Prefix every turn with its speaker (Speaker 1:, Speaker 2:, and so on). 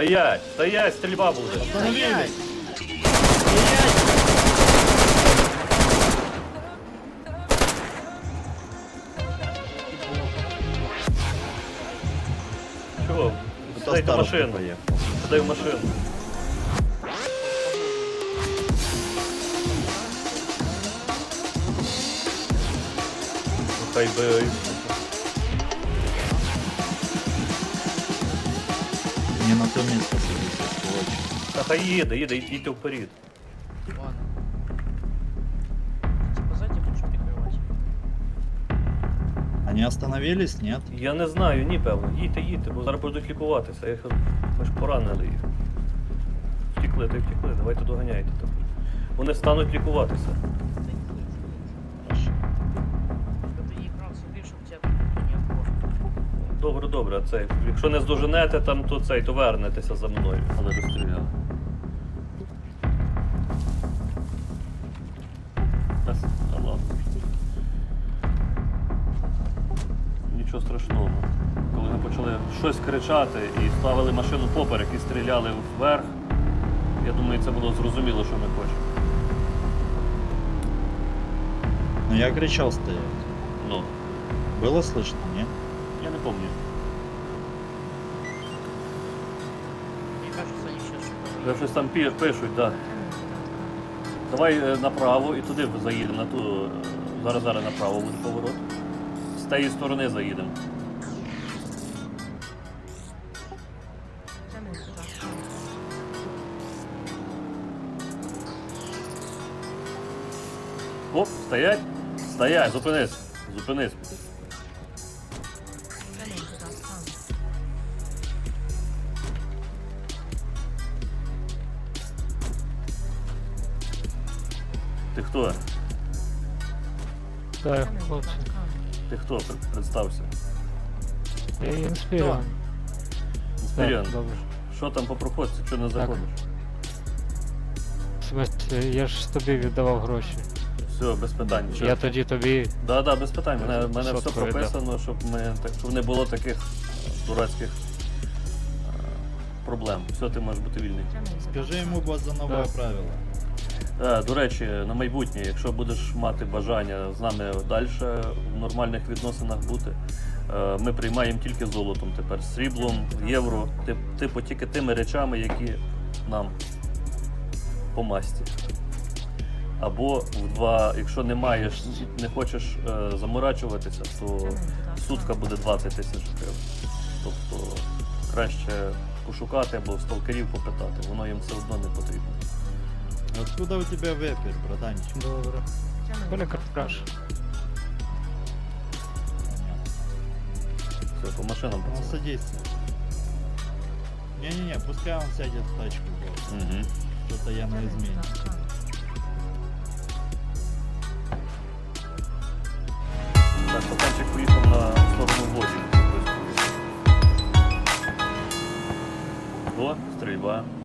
Speaker 1: Стоять! Стоять! Стрільба буде!
Speaker 2: Остановились!
Speaker 1: Чого? Сідайте в машину. Сідай в машину. Ну, хай би...
Speaker 2: Не на то место садись, сволочь.
Speaker 1: Та хай їде, їдьте вперед.
Speaker 3: Ладно. Типа сзади будешь прикрывать?
Speaker 2: Они остановились, нет?
Speaker 1: Я не знаю, ні, певно. Їдьте, бо зараз будуть лікуватися. Ми ж поранили їх. Втікли, давайте доганяйте там. Вони стануть лікуватися.
Speaker 3: Да не будет.
Speaker 2: Хорошо.
Speaker 3: Чтобы ты не играл собі, щоб тебя никто не обгон.
Speaker 1: Добре, а цей. Якщо не здоженете там, то цей, то вернетеся за мною. Але розстріляли. Та ладно. Нічого страшного. Коли ми почали щось кричати і ставили машину поперек і стріляли вверх, я думаю, це було зрозуміло, що ми хочемо.
Speaker 2: Но я кричал стоять.
Speaker 1: Ну,
Speaker 2: Было слышно, нет?
Speaker 1: я не пам'ятаю.
Speaker 3: Мне кажется, они сейчас что-то...
Speaker 1: Вже щось там пишуть, так. Давай направо і туди заїдемо, на ту. Зараз направо буде поворот. З тієї сторони заїдемо. Оп, стоять! Стоять, зупинись. Ти хто?
Speaker 4: Так, хлопці.
Speaker 1: Ти хто? Представся.
Speaker 4: Я інспіріон.
Speaker 1: Інспіріон.
Speaker 4: Так, добре.
Speaker 1: Що там по проходці? Чого не заходиш?
Speaker 4: В смысле, я ж тобі віддавав гроші.
Speaker 1: Все, без питань.
Speaker 4: Я тоді тобі.
Speaker 1: Да, без питань. Мене все
Speaker 4: Сотку віддав.
Speaker 1: прописано, щоб не було таких дурацьких проблем. Все, ти можеш бути вільний.
Speaker 2: Скажи ему, босс, за новое
Speaker 4: Да.
Speaker 2: правило.
Speaker 1: До речі, на майбутнє, якщо будеш мати бажання з нами далі в нормальних відносинах бути, ми приймаємо тільки золотом тепер, сріблом, євро, типу тільки тими речами, які нам по масті. Або якщо не хочеш заморачуватися, то сутка буде 20 тисяч гривень. Тобто краще пошукати або в сталкерів попитати, воно їм все одно не потрібно.
Speaker 2: Откуда у тебя вепер, братанчик?
Speaker 4: Добре. Коля Картраш.
Speaker 2: Понятно.
Speaker 1: Все, по машинам
Speaker 2: Ну,
Speaker 1: пацани.
Speaker 2: садись. Не-не-не, пускай он сядет в тачку, босс.
Speaker 1: Угу.
Speaker 2: Что-то я на измене.